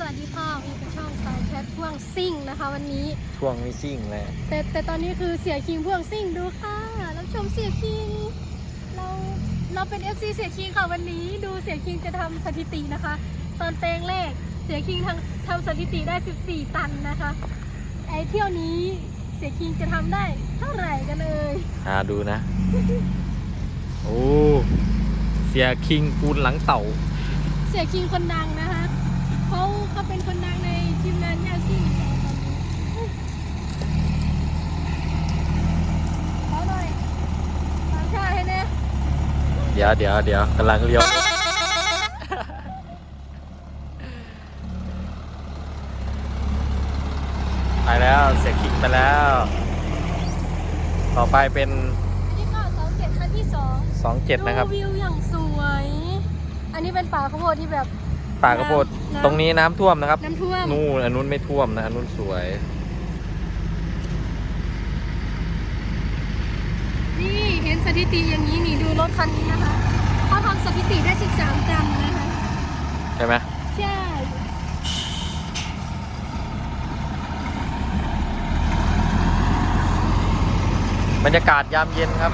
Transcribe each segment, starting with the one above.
วัสดีค่ะมีกระช่องสายแชทพ่วงซิ่งนะคะวันนี้ช่วงนี้ซิ่งเลยแต่ตอนนี้คือเสียคิงพ่วงซิ่งดูค่ะรับชมเสียคิงเราเป็น FC เสียคิงค่ะวันนี้ดูเสียคิงจะทำสถิตินะคะตอนแปลงเลขเสียคิงทำสถิติได้14ตันนะคะไอเที่ยวนี้เสียคิงจะทำได้เท่าไหร่กันเลยดูนะ โอ้เสียคิงปูนหลังเต่าเสียคิงคนดังนะคะเขาเป็นคนดังในทีมงานยาซิ่งเขาหน่อยตามชาให้แน่เดี๋ยวกำลังเลี้ยวไปแล้วเสียคิงไปแล้วต่อไปเป็นนี่ก็27คันที่ 27นะครับวิวอย่างสวยอันนี้เป็นป่าข้าวโพดที่แบบป่าข้าวโพดตรงนี้น้ำท่วมนะครับน้ำท่วมนู่นอันนู้นไม่ท่วมนะอันนู้นสวยนี่เห็นสถิติอย่างนี้นี่ดูรถคันนี้นะคะเขาทำสถิติได้13ตันนะคะใช่ไหมใช่บรรยากาศยามเย็นครับ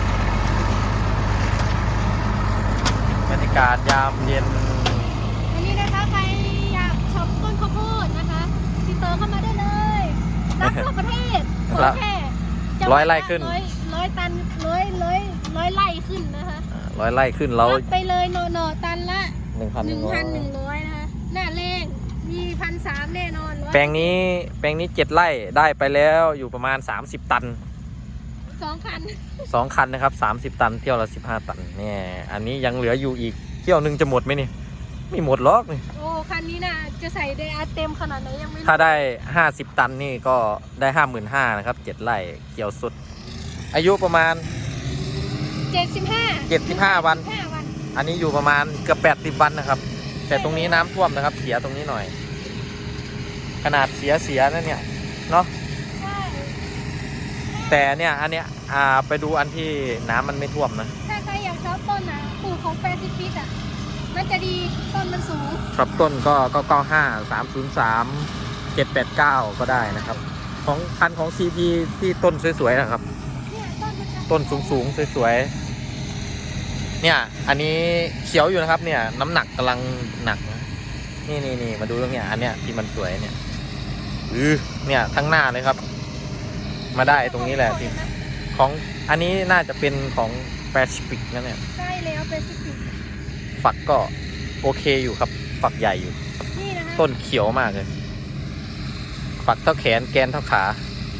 บรรยากาศยามเย็นอันนี้นะคะใครอยากช็อปต้นข้าวโพดนะคะติดต่อเข้ามาได้เลยรับทั่วประเทศขอแค่ 100 ไร่ขึ้น 100 ตันร้อยไร่ขึ้นนะคะ 100 ไร่ขึ้นเราไปเลยหน่อตันละ 1,100 นะคะหน้าแรงมี1,300แน่นอนแปลงนี้7 ไร่ได้ไปแล้วอยู่ประมาณ30 ตัน 2 คัน 2 คันนะครับ30 ตันเที่ยวละ15 ตันเนี่ยอันนี้ยังเหลืออยู่อีกเที่ยวนึงจะหมดไหมนี่ไม่หมดหรอกนี่โอ้คันนี้น่ะจะใส่ไดอาร์เต็มขนาดไหนยังไม่รู้ถ้าได้50 ตันนี่ก็ได้ 55,000นะครับ7 ไร่เกี่ยวสุดอายุประมาณ75 วันอันนี้อยู่ประมาณเกือบ80 วันนะครับแต่ตรงนี้น้ำท่วมนะครับเสียตรงนี้หน่อยขนาดเสียนั่นเนี่ยเนาะแต่เนี่ยอันเนี้ยไปดูอันที่น้ำมันไม่ท่วมนะถ้าใครอยากชอบต้นนะปลูกของแปซิฟิกอ่ะมันจะดีต้นมันสูงชอบต้นก็95 303 789ก็ได้นะครับของพันธุ์ของ CP ที่ต้นสวยๆนะครับต้นสูงสวยๆเนี่ยอันนี้เขียวอยู่นะครับเนี่ยน้ำหนักกำลังหนักนี่มาดูตรงเนี้ยอันเนี้ยที่มันสวยเนี่ยเนี่ยทั้งหน้าเลยครับมาได้ตรงนี้แหละที่ของอันนี้น่าจะเป็นของแปซิฟิกนะเนี่ยใช่แล้วแปซิฟิกฝักก็โอเคอยู่ครับฝักใหญ่อยู่นี่นะคะต้นเขียวมากเลยฝักเท่าแขนแกนเท่าขา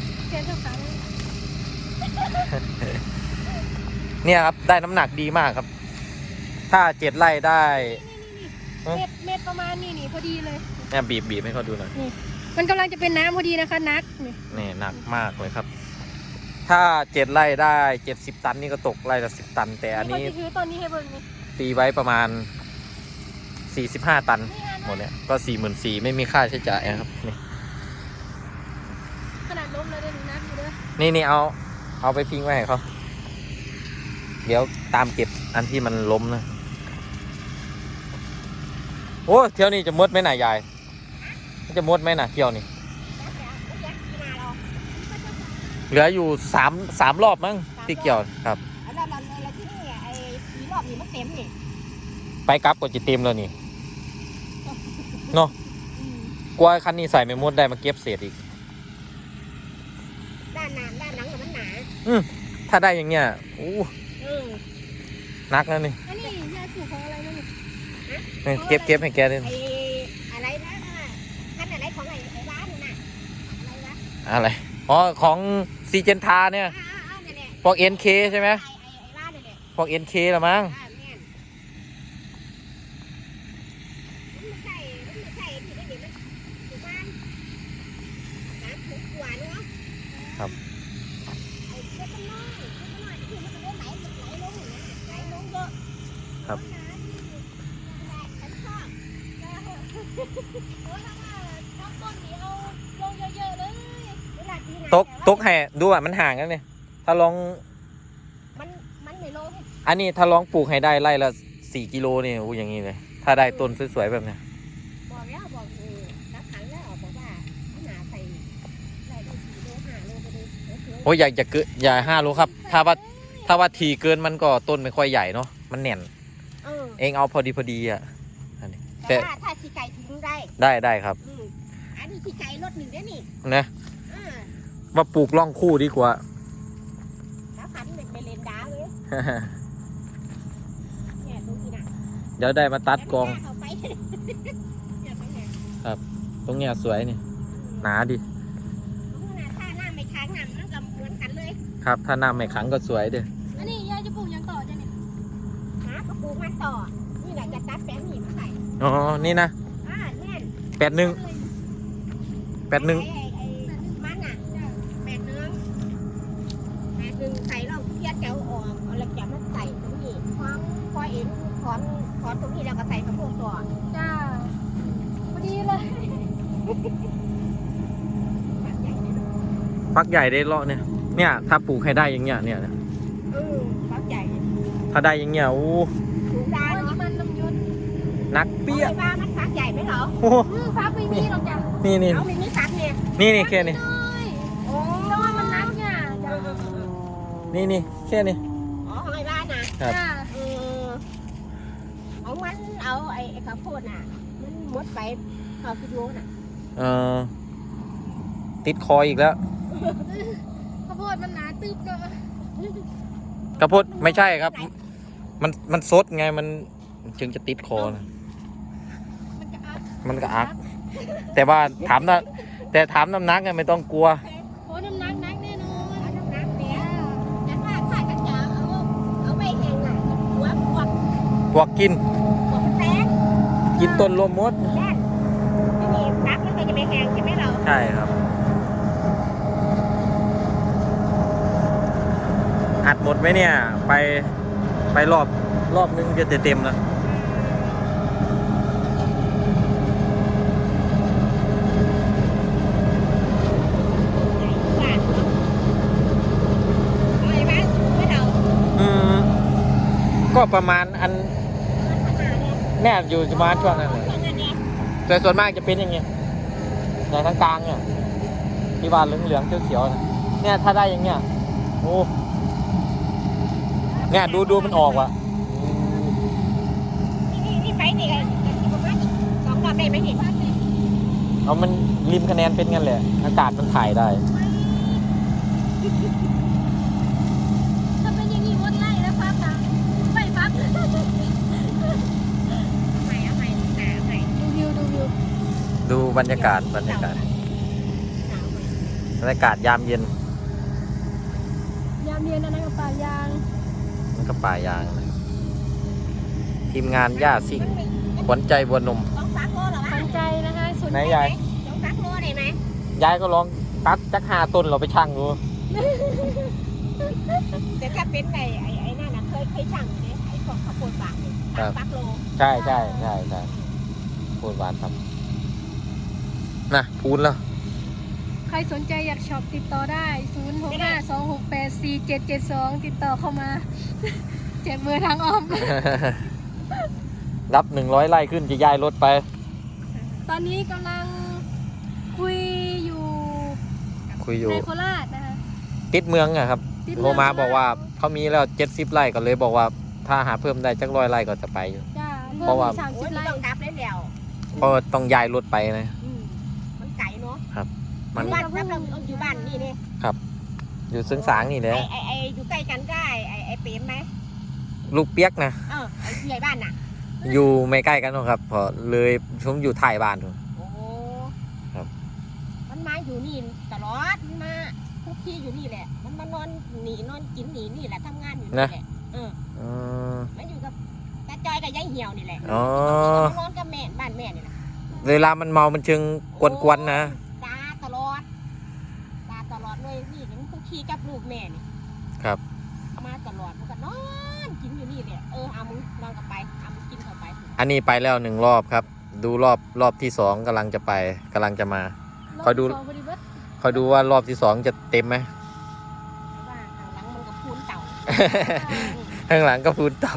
เนี่ยครับได้น้ำหนักดีมากครับถ้า7 ไร่ได้เม็ดประมาณนี่พอดีเลยเนี่ยบีบให้เขาดูหน่อยมันกำลังจะเป็นน้ำพอดีนะคะนักนี่หนักมากเลยครับถ้า7 ไร่ได้70 ตันนี่ก็ตกไร่ละ10 ตันแต่อันนี้ตอนนี้ให้เบิ่งนี่ตีไว้ประมาณ45 ตันหมดเนี่ยก็44,000ไม่มีค่าใช้จ่ายนะครับนี่ขนาดล้มเลยได้นักอยู่ด้วยนี่เอาไปทิ้งไว้ให้เขาเดี๋ยวตามเก็บอันที่มันล้มนะโอ้เที่ยวนี้จะมดไหมน่ะยายจะมดไหมน่ะเที่ยวนี้เหลืออยู่3 รอบมั้งที่เกี่ยวครับไปกลับก็จะเต็มแล้วนี่เนาะกลัวคันนี้ใส่ไม่มดได้มาเก็บเศษอีกด้านหลังมันหนาถ้าได้อย่างเงี้ยนักนะนี่อันนี้ยาสูบของอะไรนี่เก็บให้แกด้วยอะไรนะท่านอะไรของไอ้ร้านน่ะอะไรอ๋อของซีเจนทาเนี่ยพวก NK ใช่ไหมพวก NK ละมั้งครับครับตกให้ดูอ่ะมันห่างกันเลยถ้าลองมันไม่ลงอันนี้ถ้าลองปลูกให้ได้ไร่ละ4 กิโลนี่อย่างนี้เลยถ้าได้ต้นสวยๆแบบนี้โอ้ยอยากเกินอย่า5 โลครับถ้าว่าทีเกินมันก็ต้นไม่ค่อยใหญ่เนาะมันแน่นเองเอาพอดีอ่ะอันนี้แต่ถ้าขี้ไก่ทิ้งได้ได้ครับอันนี้ขี้ไก่รถหนึ่งได้นี่นะว่าปลูกร่องคู่ดีกว่าแล้วพันไปเลนดาเลยเนี่ยตรงนี้นะเดี๋ยวได้มาตัดกองเอาไปเนี่ยตรงเนี้ยตรงเนี้ยสวยนี่หนาดิตรงนั้นถ้าหน้าไม่ค้างน้ำมันก็เหมือนกันเลยครับถ้าน้ำไม่ขังก็สวยเด้ออันนี้ยายจะปลูกยังต่อจ้ะเนี่ยหากระปูมันต่อนี่แหละจะตัดแป้งหนีมาใส่อ๋อนี่นะแน่น 81 ไอ้มันอ่ะ8 1ใส่เราเพี้ยแถวออกเอาแล้วจะมาใส่ตรงนี้พอเอ็นถอนตรงนี้แล้วก็ใส่กระโปรงต่อจ้าพอดีเลยฟักใหญ่ได้เลาะเนี่ยถ้าปลูกให้ได้อย่างเงี้ยเนี่ยฟักใหญ่ถ้าได้อย่างเงี้ยโอ้ถูกได้โอ้ยเนาะมันลำยุนนักเปี้ยว่ามันฟักใหญ่ไหมเหรอโอ้โหฟ้าไม่มีหรอกจ้ะนี่เอาไม่มีฟักเนี่ยนี่แค่นี้น้อยโอ้แต่ว่ามันนักเนี่ยจ้ะนี่แค่นี้อ๋อหอยบ้านนะครับจ้าเอามันเอาไอ้ข้าวโพดน่ะมันมดไปข้าวฟิโลน่ะเออติดคออีกแล้วข้าวโพดมันหนาตึบเนาะกระพดไม่ใช่ครับ มันซดไงมันจึงจะติดคอนะมันจะอักมันก็อัก แต่ว่าถามน้ำหนักไงไม่ต้องกลัวโอ้น้ำหนักแน่นอนเอาน้ำหนักเนี่ยแต่ถ้ากันจะเอาไปแห้งน่ะหัวพวกพวกกินแตงกินต้นรวมมดแน่นไม่มีฟักมันก็จะไม่แห้งใช่ไหมเราใช่ครับ อัดหมดไหมเนี่ย ไปรอบนึงจะเต็มแล้วบ้านเนาะเอาไอ้บ้านสูงไม่เราก็ประมาณอันขนาดเนี่ยเนี่ยอยู่ประมาณช่วงนั้นเลยช่วงนั้นเนี่ยแต่ส่วนมากจะเป็นอย่างเงี้ยในทางกลางเนี่ยที่ว่าเหลืองๆเขียวๆนะเนี่ยถ้าได้อย่างเงี้ยโอ้เนี่ยดูมันออกว่ะนี่ไปนี่กันประมาณอีก2 รอบได้ไหมนี่เอามันริมคะแนนเป็นงั้นแหละอากาศมันถ่ายได้ถ้าเป็นอย่างนี้วนไล่แล้วฟ้าตาไม่ฟักเอาใหม่หนาใหม่ดูวิวดูบรรยากาศยามเย็นยามเย็นอันนั้นกับป่ายางมันก็ป่ายางนะทีมงานย่าซิ่งขวัญใจบัวนมต้องฟักโลเหรอวะสนใจนะคะสนไหนใจยายต้องฟักโลได้ไหมยายก็ลองตัดจัก5 ต้นเราไปชั่งดูแต่ถ้าเป็นไอ้นั่นน่ะเคยสั่งเนี่ยไอ้ของข้าวโพดฝากเนี่ยฟักโลใช่พูดหวานครับนะพูดแล้วใครสนใจอยากช็อปติดต่อได้ 0652684772 ติดต่อเข้ามา เจ็บมือทางอ้อมรับ100 ไร่ขึ้นจะย้ายรถไปตอนนี้กำลังคุยอยู่คุยอยู่ในโคราชนะคะติดเมืองอะครับติดโทรมาบอกว่าเขามีแล้ว70 ไร่ก็เลยบอกว่าถ้าหาเพิ่มได้จัก100 ไร่ก็จะไปอยู่จ้าเพราะว่าสามโอ้สิยบไร่ต้องกลับเลยแล้วเพราะว่าต้องย้ายรถไปนะมันไก่เนาะมันบ้านครับเราอยู่บ้านนี่เนี่ยอยู่ซึ่งสางนี่แหละไอ้อยู่ใกล้กันได้ไอ้เปรมไหมลูกเปียกนะไอ้ใหญ่บ้านน่ะอยู่ไม่ใกล้กันหรอกครับพอเลยผมอยู่ท้ายบ้านถูกโอ้ครับมันมาอยู่นี่ตลอดมันมาทุกที่อยู่นี่แหละ มันมานอนหนีนอนกินหนีนี่แหละทำงานอยู่นี่แหละมันอยู่กับตาจอยกับยายเหี่ยวนี่แหละอ๋อมันนอนกับแม่บ้านแม่นี่แหละเวลามันเมามันจึงกวนๆนะตาตลอดเลยนี่มันคุกคีกับลูกแม่นี่ครับมาตลอดมันก็นอนกินอยู่นี่แหละเอามึงนอนกับไปเอามึงกินกับไปอันนี้ไปแล้ว1 รอบครับ ดูรอบที่2กำลังจะมา คอยดูรบที่สงพอดีเบิดคอยดูว่ารอบที่2จะเต็มไหมว่าข้างหลังมันก็พูนเต่าข้างหลังก็พูนเต่า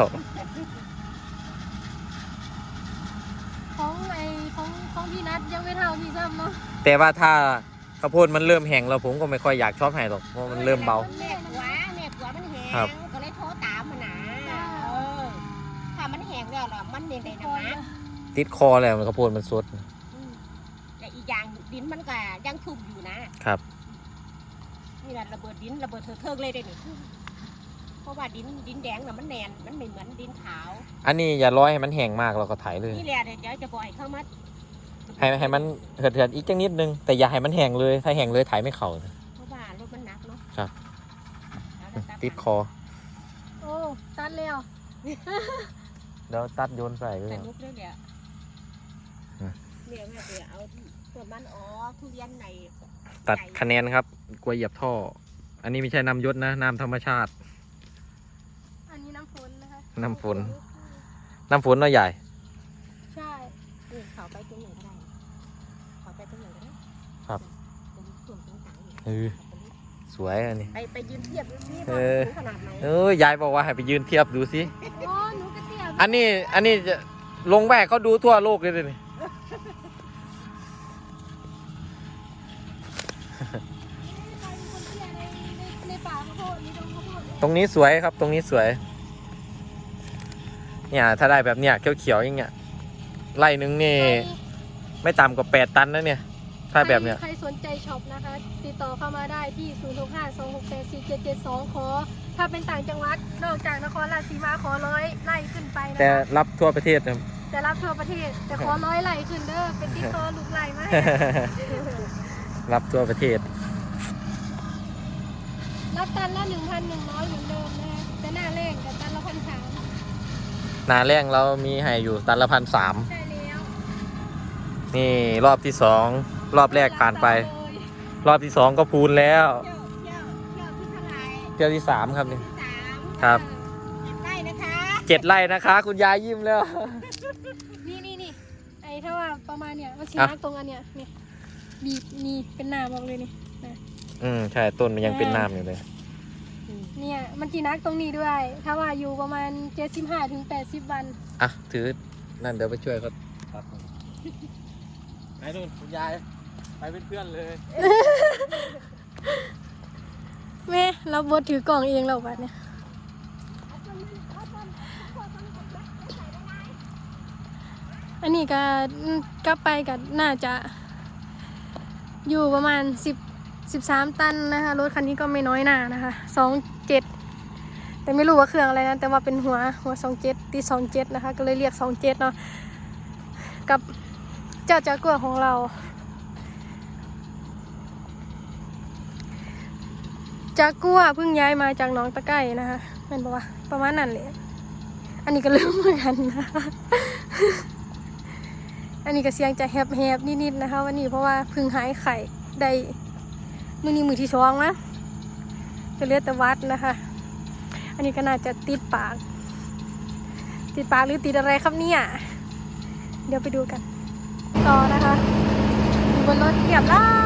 ของพี่นัทยังไม่เท่าพี่ซ้ำเนาะแต่ว่าข้าวโพดมันเริ่มแห้งแล้วผมก็ไม่ค่อยอยากชอบให้หรอกเพราะมันเริ่มเบาแม่กว่ามันแห้งครับก็เลยโทรตามมันนะถ้ามันแห้งแล้วล่ะมันในน้ำนะติดคอเลยมันข้าวโพดมันสดแต่อีกอย่างดินมันก็ยังชุ่มอยู่นะครับ นี่แหละระเบิดดินระเบิดเถิกเลยได้นี่เพราะว่าดินแดงน่ะมันแน่นมันไม่เหมือนดินขาวอันนี้อย่าร้อยให้มันแห้งมากเราก็ไถเลยนี่แหละเดี๋ยวจะปล่อยเข้ามาให้มันเหือดๆอีกจังนิดนึงแต่อย่าให้มันแห้งเลยถ้าแห้งเลยไถไม่เข่าเพราะว่ารถมันหนักเนาะครับเอาละครับติดคอโอ้ตัดแล้วเดี๋ยวตัดโยนใส่เลยสนุกด้วยเนี่ยอืมเดี๋ยวแม่เดี๋ยวเอาส่วนมันอ๋อทุเรียนในตัดคะแนนครับกลัวเหยียบท่อ อันนี้ไม่ใช่น้ำยศนะน้ำธรรมชาติอันนี้น้ำฝนนะคะน้ำฝน น้ำฝนน้อยใหญ่ใช่เขาไปตรงไหนก็ได้เขาไปตรงไหนก็ได้ครับตรงส่วนตรงกลางเนี่ยเออ สวยอันนี้ไปยืนเทียบดูสิเอว่าอสูงขนาดไหนยายบอกว่าให้ไปยืนเทียบดูสิโอ้หนูกระเทียมอันนี้จะลงแวกเขาดูทั่วโลกเลยนี่ใครเป็นคนเทียในป่าข้าวโพดนี่ตรงข้าวโพดตรงนี้สวยครับ ตรงนี้สวย เนี่ยถ้าได้แบบเนี้ยเขียวๆอย่างเงี้ยไร่นึงนี่ไม่ต่ำกว่า8 ตันนะเนี่ย ถ้าแบบเนี้ยใครสนใจช็อปนะคะ ติดต่อเข้ามาได้ที่ 0652684772 ขอ ถ้าเป็นต่างจังหวัด นอกจากนครราชสีมาขอ100 ไร่ขึ้นไปนะแต่คะรับทั่วประเทศนะจะรับทั่วประเทศ แต่ขอ100 ไร่ขึ้นเด้อ เป็นติดต่อลูกไร่ไหมรับทั่วประเทศรับตันละ 1,100 เหมือนเดิมนะคะแต่หน้าแรงกับตันละ1,300 นาแรงเรามีให้อยู่ตันละ1,300 ใช่แล้วนี่รอบที่2รอบแรกผ่านไป รอบที่2ก็พูนแล้วเที่ยวที่เท่าไหร่เที่ยวที่3ครับนี่ที่3 ครับ 7 ไร่นะคะ 7 ไร่นะคะ คุณยายยิ้มแล้วนี่ไอ้ถ้าว่าประมาณเนี่ยมันสีอ่ะนักตรงอันเนี้ยนี่บีบนี่เป็นหน้าบอกเลยนี่นะใช่ต้นมันยังเป็นน้ำอยู่เลยเนี่ยมันจีนักตรงนี้ด้วย ถ้าว่าอยู่ประมาณ 75-80 วันอ่ะถือนั่นเดี๋ยวไปช่วยเขาครับไปนู่นคุณยายไปเป็นเพื่อนเลยแม่เราบดถือกล่องเองเราบัดเนี่ยอันนี้ก็กลับไปกับน่าจะอยู่ประมาณ13 ตันนะคะรถคันนี้ก็ไม่น้อยหน้านะคะ27แต่ไม่รู้ว่าเครื่องอะไรนะแต่ว่าเป็นหัว27ตี27นะคะก็เลยเรียก27เนาะกับเจ้าจากัวของเราจากัวเพิ่งย้ายมาจากหนองตะไคร่นะคะเป็นบอกว่าประมาณนั้นเลยอันนี้ก็ลืมเหมือนกันนะคะอันนี้ก็เสียงจะแหบๆนิดๆนะคะวันนี้เพราะว่าเพิ่งหายไข่ได้มือนี้มือที่2นะจะเลือดแต่วัดนะคะอันนี้ก็น่าจะติดปากหรือติดอะไรครับเนี่ยเดี๋ยวไปดูกันต่อนะคะอยู่บนรถเรียบร้อย